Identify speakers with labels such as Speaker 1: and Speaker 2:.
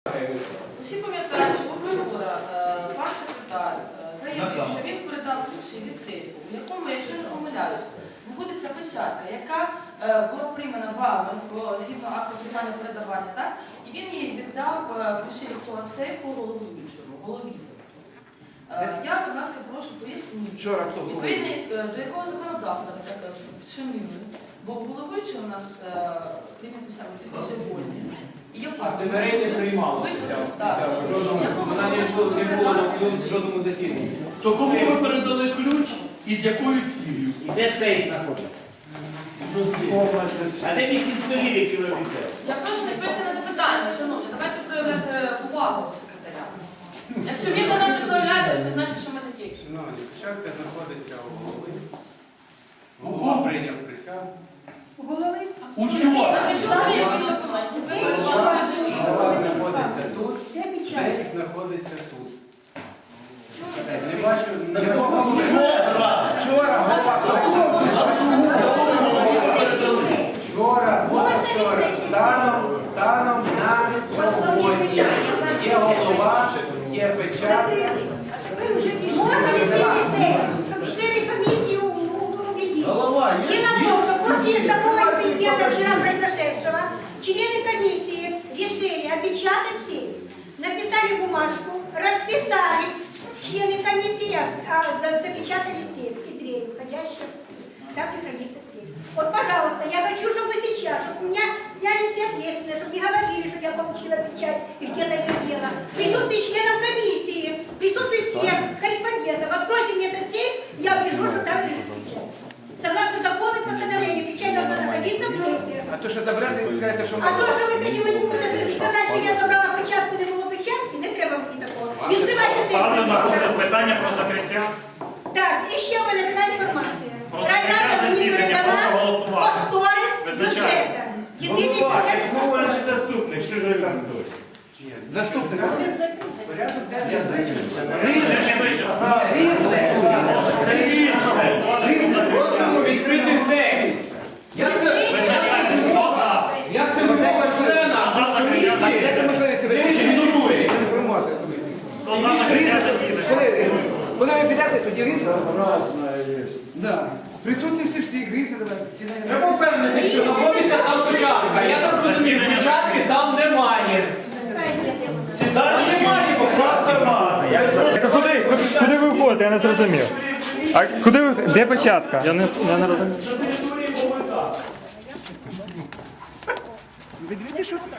Speaker 1: Всі пам'ятають, що вчора пан секретар заявив, що він передав ключі від сейфу, у якому, якщо не помиляюсь, знаходиться печатка, яка була приймана вами згідно акту приймання передавання, так? І він їй віддав ключі від цього сейфу голові. Я, будь ласка, прошу пояснити, відповідно до якого законодавства ви так вчинили, бо головуючий у нас прийняв присягу тільки сьогодні.
Speaker 2: Семерей не приймали. Вона не була на жодному засіданні.
Speaker 3: То кому ви передали ключ і з якою цілею?
Speaker 4: І де сейф знаходиться? А де 8 столів, які ви обіцяли?
Speaker 1: Я прошу відповісти на запитання, шановні, давайте проявляти увагу секретаря. Якщо він до нас не проявляється, це значить, що ми такі.
Speaker 5: Шановні, печатка знаходиться у голови.
Speaker 3: У кого?
Speaker 5: Голова прийняв присягу.
Speaker 1: Голови?
Speaker 3: Учора.
Speaker 5: Голова знаходиться тут, сейф знаходиться тут. Не бачу, вчора, позавчора, станом на сьогодні. Є голова, є печатка.
Speaker 6: Можно ли принести, чтобы члены комиссии убедили? И на то, что после такого инцидента вчера произошедшего, члены комиссии решили опечатать сейф, написали бумажку, расписались, члены комиссии запечатали сейф и дверь, входящая. Так и хранится сейф. Вот, пожалуйста, я хочу, чтобы вы сейчас, чтобы у меня сняли все ответственность, чтобы не говорили, что я получила печать и где-то ее дело. Присутствие членов комиссии, присутствие всех корреспондентов. Откройте мне этот сейф, я убежу, что там лежит печать. Согласно закону и постановлению, печать должна находиться в сейфе.
Speaker 5: А то, що забрати, скажете, що
Speaker 6: А то, що ви тоді не будете сказати, що я забрала печатку, не було печатки, не треба мені такого. Відкривайте сейф.
Speaker 7: Ставлю на розгляд питання про закриття.
Speaker 6: Так, і ще в мене така інформація.
Speaker 7: Про закриття засідання, прошу голосувати.
Speaker 6: Кошторис бюджету. Єдиний бюджет.
Speaker 4: Головний заступник, що ж ви там тут?
Speaker 5: Заступник. Порядок
Speaker 2: Відкритий сейф. Я це
Speaker 7: Визначайте, хто за.
Speaker 2: я це вимога члена.
Speaker 7: За закриття засідання. Хто за закриття засідання?
Speaker 8: Коли ви підете, тоді різно? Да. Присутні всі різно давайте.
Speaker 2: Треба впевнити, що знаходиться там печатка. Я так розумію, печатки там немає.
Speaker 3: Там немає, печатка немає.
Speaker 9: Куди ви входите? Я не зрозумів. А куди ви? Де печатка? Я не розумію.
Speaker 8: Ви дивіться, що